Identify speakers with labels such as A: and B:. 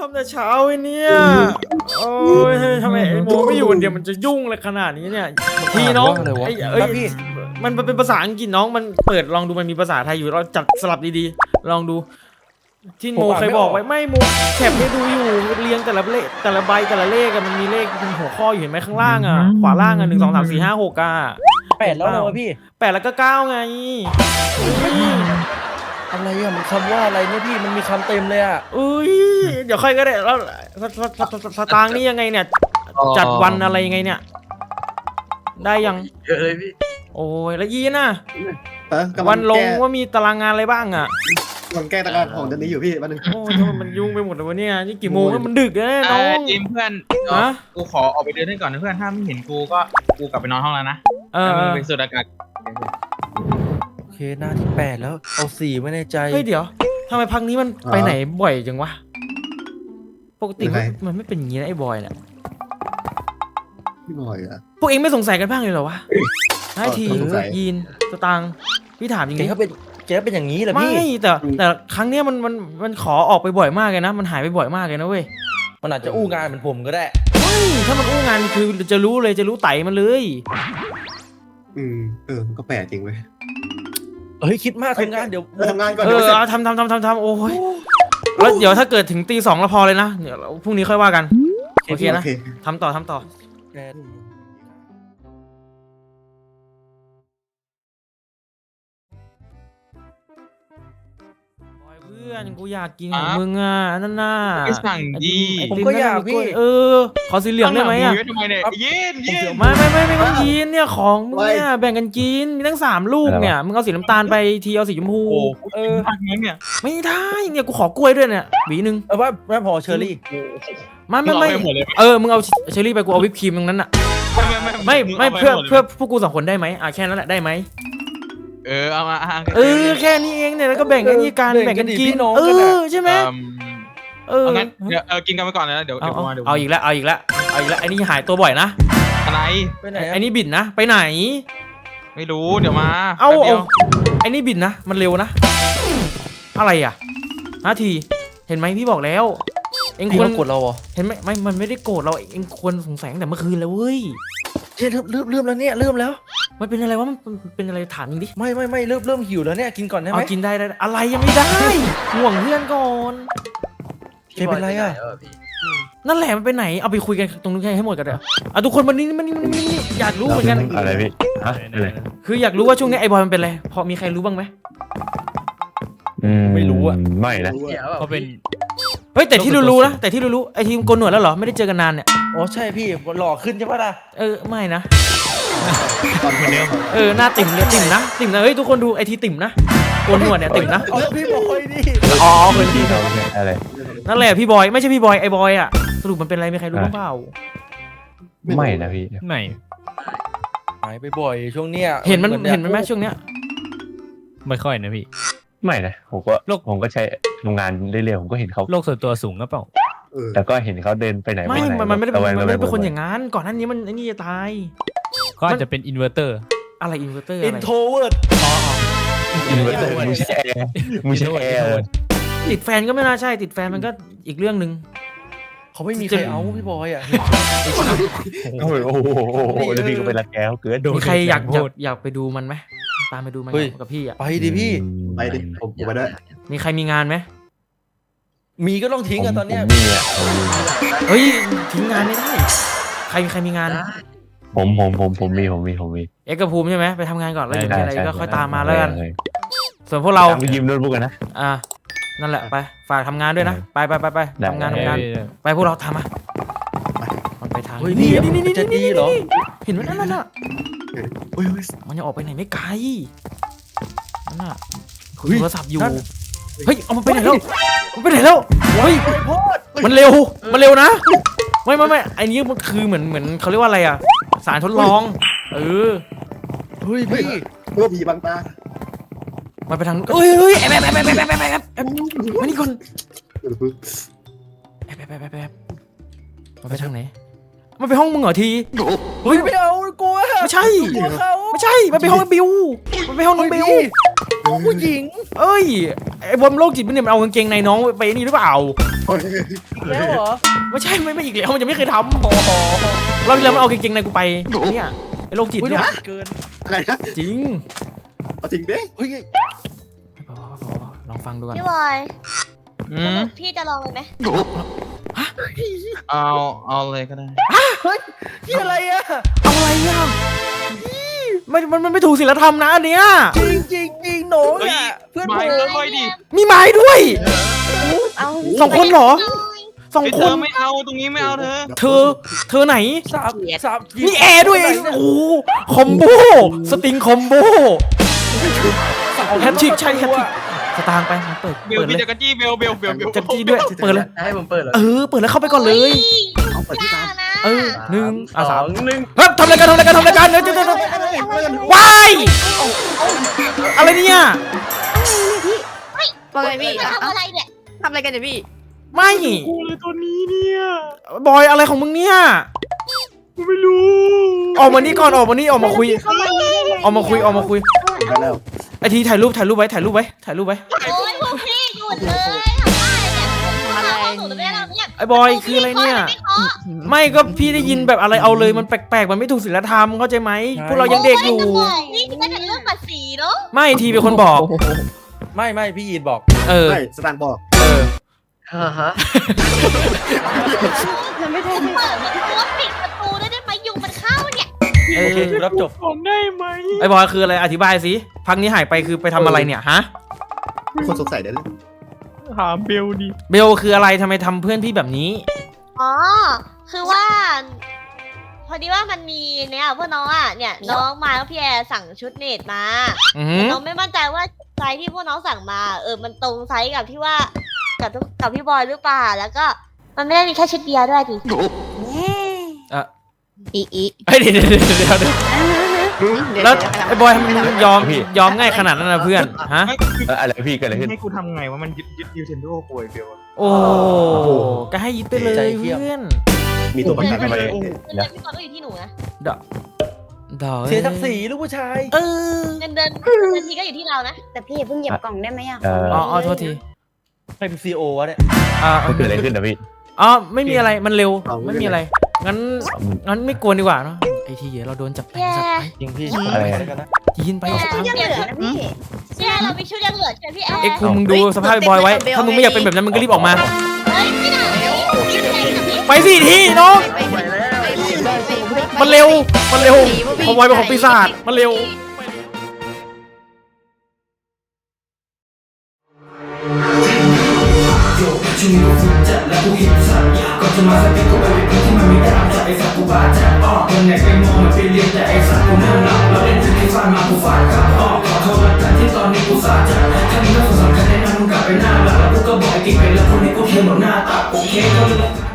A: ทำแต่เช้าไอ้เนี่ยโอ้ยทำไมไอ้โมไม่อยู่คนเดียวมันจะยุ่งเลยขนาดนี้เนี่ยทีน้องไอ้เอ้ยมันเป็นภาษาอังกฤษน้องมันเปิดลองดูมันมีภาษาไทยอยู่เราจัดสลับดีๆลองดูที่โมเคยบอกไว้ไม่โมแคปให้ดูอยู่เรียงแต่ละเลขแต่ละใบแต่ละเลขมันมีเลขเป็นหัวข้ออยู่เห็นไหมข้างล่างอ่ะขวาล่างอ่ะ1 2 3 4 5 6อ่ะ
B: 8แล้วเหรอพี่
A: 8แล้วก็9ไง
B: อะไรอะมันคำว่าอะไรเนี่ยพี่มันมีคำเต็มเลยอะ
A: อุ้ยเดี๋ยวค่อยก็ได้แล้วสตางค์นี่ยังไงเนี่ยจัดวันอะไรยังไงเนี่ยได้ยัง
C: เยอะเลยพี่
A: โอ้ยแล้วยีน่ะวันลงว่ามีตารางงานอะไรบ้างอ่ะ
D: วันแก้ตารางของเดือนนี้อยู่พี่วันนึง
A: โอ้ยมันยุ่งไปหมดเลยวะเนี่ยนี่กี่โมงแล้วมันดึกแล้วน้อง
C: จิมเพื่อนกูขอออกไปเดินได้ก่อนนะเพื่อนถ้าไม่เห็นกูก็กูกลับไปนอนห้องแล้วนะมึงไปสูดอากาศ
B: โอเคหน้าที่8แล้วเอา4ไว้ในใจ
A: เฮ้ยเดี๋ยวทำไมพักนี้มันไปไหนบ่อยจังวะปกติมันไม่เป็นอย่างนี้นะไอ้บอยเนี่ย
D: พี่บอยอะ
A: พวกเองไม่สงสัยกันบ้างเลยเหรอวะนาทียีนสตางค์พี่ถามจริงๆ
B: เจ๊เป็นอย่างนี้เหรอพี่
A: ไม่แต่ครั้งเนี้ยมันขอออกไปบ่อยมากเลยนะมันหายไปบ่อยมากเลยนะเว้ย
B: มันอาจจะอู้งานเหมือนผมก็ได้
A: ถ้ามันอู้งานคือจะรู้เลยจะรู้ไต่มันเลย
D: มันก็แปลกจริงเว้ย
B: เฮ้ยคิดมากทำงานเดี๋ยว
D: ทำงานก่อน
A: ทำโอ้ยแล้วเดี๋ยวถ้าเกิดถึงตี 2แล้วพอเลยนะเดี๋ยวพรุ่งนี้ค่อยว่ากันโอเคนะทำต่อเพื่อนกูอยากกินของมึงอ่ะนั่นน่ะ
C: ไปสั่งดี
B: ผมก็อยากพี่
A: ขอสีเหลืองได้ไหมอ่ะ
C: ยีน
A: ไม่ต้องยีนเนี่ยของมึงเนี่ยแบ่งกันกินมีตั้ง3 ลูกเนี่ยมึงเอาสีน้ำตาลไปทีเอาสีชมพู
C: เนี่ย
A: ไม่ได้เนี่ยกูขอกล้วยด้วยเนี่ยหวีนึง
B: ว่าไม่พอเชอร์รี่
A: ไม่มึงเอาเชอร์รี่ไปกูเอาวิปครีมตรงนั้นอ่ะไม่เพื่อพวกกู2 คนได้ไหมแค่นั้นแหละได้ไหม
C: เอามา
A: แค่นี้เองเนี่ยแล้วก็แบ่งกันนี่การแบ่งกันกินใช่ไหม
C: งั้นกินกันไปก่อนนะเดี๋ยว
A: เอาอีกแล้วไอ้นี่หายตัวบ่อยนะ
C: อะไร
A: ไปไหนไอ้นี่บิดนะไปไหน
C: ไม่รู้เดี๋ยวมา
A: เอาไอ้นี่บิดนะมันเร็วนะอะไรอ่ะนาทีเห็นไหมพี่บอกแล้วเอ็งควร
B: โกรธเราเหรอ
A: เห็นไหมมันไม่ได้โกรธเราเอ็งควรสงสัยตั้งแต่เมื่อคืนแล้วเว้ย
B: เริ่มแล้วเนี่ยเริ่มแล้ว
A: มันเป็นอะไรวะมันเป็นอะไรถามจริงดิ
B: ไม่เริ่มหิวแล้วเนี่ยกินก่อนได้ไหม
A: กินได้อะไรยังไม่ได้ห่วงเพื่อนก่อน
B: เป็นไรอ่ะ
A: นั่นแหละมันไปไหนเอาไปคุยกันตรงนู้นให้หมดกันเถอะทุกคนมันนี่อยากรู้เหมือนกัน
D: อะไรพี่
A: คืออยากรู้ว่าช่วงนี้ไอ้บอยมันเป็นอะไรพอมีใครรู้บ้างไหม
B: ไม่รู้อ่ะ
D: ไม่นะ
A: เขาเป็นเฮ้ยแต่ที่รู้นะไอ้ทีมโกนหนวดแล้วเหรอไม่ได้เจอกันนานเนี่ย
B: อ๋อใช่พี่หล่อขึ้นใช่ปะล่ะ
A: ไม่นะหน้าติ่มนะเฮ้ยทุกคนดูไอทีติ่มนะโกนหนวดเนี่ยติ่มนะ
B: พี่บอยดิ
A: คนดี
D: อะไร
A: นั่นแหละพี่บอยไม่ใช่พี่บอยไอบอยอ่ะสรุปมันเป็นอะไรมีใครรู้บ้างเปล่า
D: ไม่นะพี่
A: ไหน
B: หายไปบ่อยช่วงเนี้ย
A: เห็นมันไหมช่วงเนี้ย
E: ไม่ค่อยนะพี่
D: ไม่นะผมก็ใช้ทำงานเรื่อยๆผมก็เห็นเขา
E: โลกส่วนตัวสูงก็เปล่า
D: แต่ก็เห็นเขาเดินไปไหน
A: ไม่มันไม่ได้เป็นคนอย่างนั้นก่อนหน้านี้มันไอ้นี่จะตาย
E: ก็อาจจะเป็นอินเวอร์เตอร์
A: อะไรอินเวอร์เตอร์
B: อินโทรเวิร์ด
D: อินเวอร์เตอร์มึงใช่แอร์
A: ติดแฟนก็ไม่น่าใช่ติดแฟนมันก็อีกเรื่องนึง
B: เขาไม่มีใครเอาพี่บอยอ่ะ
D: โอ้โหแล้วพี่ก็ไปรักแก้วเกิด
A: มีใครอยากไปดูมันไหมตามไปดูมันกับพี่อ่ะ
B: ไปดิพี่
D: ไปดิผมไปด้วย
A: มีใครมีงานไหม
B: มีก็ต้องทิ้งกันตอนเนี้ย
A: เฮ้ยทิ้งงานไม่ได้ใครมีงาน
D: ผมมี
A: เอกภูมิใช่ไหมไปทำงานก่อนแล้วอย่างไรก็ค่อยตามมาแล้วกันส่วนพวกเรา
D: ไปยืมโน้ตบุ๊กกันนะ
A: นั่นแหละไปฝากทำงานด้วยนะไปทำงานไปพวกเราทำมันไปทาง
B: นี่จะดีเหรอ
A: เห็นไหมนั่นน่ะมันยังออกไปไหนไม่ไกลนั่นน่ะคุยโทรศัพท์อยู่เฮ้ยเอามันไปไหนแล้วเฮ้ยมันเร็วนะไม่ไอ้นี้มันคือเหมือนเขาเรียกว่าอะไรอ่ะสารทดลอง
B: เฮ้ยพี่
D: เมื่อผีบางตา
A: มันไปทางเฮ้ยแอบมานี่ก่อนแอบมันไปทางไหนมันไปห้องมึงเหรอที
B: เฮ้ยไม่เอากลัว
A: ไม่ใช่มันไปห้องบิวมันไปห้องน้องบิว
B: ผู้หญิง
A: เอ้ยไอ้บอมโรคจิตมันเนี่ยมันเอากางเกงในน้องไปนี่หรือเปล่า
B: แล้วเหรอ
A: ไม่ใช่ไม่อีกแล้วมันยังไม่เคยทำเราที่แล้วมันเอาเก่งๆในกูไปเนี่ยไอ้โรคจิตเนี่ย
B: เกิน
D: อะไรนะ
A: จริง
D: เอาจริงดิ
B: เฮ้ย
A: ลองฟังดูก่อน
F: พี่บอย
C: อืม
F: พี่จะลองเลยไหม
C: เอาเลยก็ได้
B: พี่อะไรอ่ะ
A: เอาอะไรอ่ะมันไม่ถูกศีลธรรมนะอันเนี้ย
B: จริงหนูอ่ะเพื่อนผม
C: ไม่ค่อยดิ
A: มีไม้ด้วย
F: เอา
A: สองคนเหรอสอง
C: ไอ
A: ค
C: เธ
A: น
C: อไม่เอาตรงนี้ไม่เอาเธอ
A: เธอไหน
B: สาม
A: มีแอร์ด้วยโอ้คอมโบสติงคอมโบแฮตทริกใช่แฮตทริกสตางค์ไปมาเปิด
C: เบล
A: เปิด
C: พี่
A: เลย
C: จะกระจี้เบล
A: จักรีด้วยเปิดเลย
B: ให้ผมเปิดเหรอ
A: เปิดแล้วเข้าไปก่อนเลย
D: เอาเปิดที่ร้าน
F: นะ
A: หนึ่งสาม
B: หนึ่ง
A: เฮ้ยทำรายการเดี๋ยวว้ายอะไรเนี่ย
F: ว่าไงพี่ทำอะไรเนี่ย
G: ทำอะไรกันเนี่ยพี่
A: ไม่
C: กูเลยตัวนี้เนี่ย
A: บอยอะไรของมึงเนี่ย
C: กูไม่รู้
A: ออกมานี่ก่อนออกมานี่ออกมาคุยออกมาคุย
D: ไปแล้ว
A: ไอทีถ่ายรูปไว้
F: โอ้ยพวกพี่หยุดเลยทำอะไรเนี่ยหนูไม่ได้เราเนี่ย
A: ไอบอยคืออะไรเนี่ย ไม่ก็พี่ได้ยินแบบอะไรเอาเลยมันแปลกๆมันไม่ถูกศีลธรรมเข้าใจไหมพวกเรายังเด็กอยู่
F: นี่ก็จะเรื่องปัดสีเนาะ
A: ไม่ทีเป็นคนบอก
B: ไม่พี่ยีนบอก
D: ไม่สตางค์บอก
B: ฮะ
F: มันไม่ได้เปิดประตูปิดประตูได้ไหมยุงมันเข้าเนี่ย
B: โอเครับจบ
C: ผมได้ไหม
A: ไอบอยคืออะไรอธิบายสิพักนี้หายไปคือไปทำอะไรเนี่ยฮะ
D: คนสงสัยเดี๋ยว
C: ถามเบลดิ
A: เบลคืออะไรทำไมทำเพื่อนพี่แบบนี้
F: อ๋อคือว่า พอดีว่ามันมีเนี่ยพวกน้องอ่ะเนี่ยน้องมาแล้วพี่แอร์สั่งชุดเนตมา
A: อือหือ
F: น้องไม่มั่นใจว่าไซส์ที่พวกน้องสั่งมามันตรงไซส์กับที่ว่ากับพี่บอยหรือเปล่าแล้วก็มันไม่ได้มีแค่ชุดเดียวด้วยดิ
A: เฮ้ยเดี๋ยวแล้วไอ้บอยทำไมมันยอมง่ายขนาดนั้นนะเพื่อนฮะ
D: อะไรพี่เกิดอะไรขึ้น
C: ให้กูทำไงว่ามันยึดยูเทนโดกูไอเบล
A: โอ้ก็ให้ยึดไปเลยเพื่อน
D: มีตัวประกันอะไร
F: เงินเดือนพี่บอยก็อยู่ที่หนูนะ
A: ดอก
B: เสียศักดิ์ศรีลูกผู้ชาย
F: เงินเดือนทีก็อยู่ที่เรานะ
G: แต่พี่อย่าเพิ่งเหยียบกล่องได้ไหมอ่ะ
A: อ๋อโทษที
B: ใครเป็นซีโอวะเนี่ย
D: มันเกิดอะไรขึ้นนะพี่
A: อ๋อไม่มีอะไรมันเร็วไม่มีอะไรงั้นไม่กวนดีกว่าเนาะไอ้ทีเดี๋ยวเราโดนจับแต่งสัตว์ไป
B: จริงพี่
D: อะไร
B: กันนะ
A: ยินไป
G: ชุดยังเหลือนะพี่
F: พี่แอร์เรามีชุดยังเหลือใช่ไหมพี่แอร์
A: เอ็กซ์มึงดูสภาพไอ้บอยไว้ถ้ามึงไม่อยากเป็นแบบนั้นมึงก็รีบออกมา
F: เฮ้ยพี่หน่อยพี่แอร์กับพี่
A: ไปสิทีน้อง
G: ไปแล้ว
A: มันเร็วขโมยเป็นของปีศาจมันเร็ว
H: ช่วงนี้กูฝึกจัดและกูหิวสัตว์ก่อนจะมาสเต็ปกูไปเวทีที่มันไม่ได้อัพจัดไอ้สัตว์กูบาดจัดยังไงไปมองมันไปเรียนแต่ไอ้สัตว์กูไม่หลับแล้วเล่นถึงที่ฟันมากูฝาดครับขอโทษละกันที่ตอนนี้กูสาจัดถ้ามีเรื่องสำคัญแนะนำมึงกลับไปหน้าหลักแล้วกูก็บอกไอ้กิ๊กไปแล้วคนนี้กูเทหมดหน้าตัดโอเคก็เลย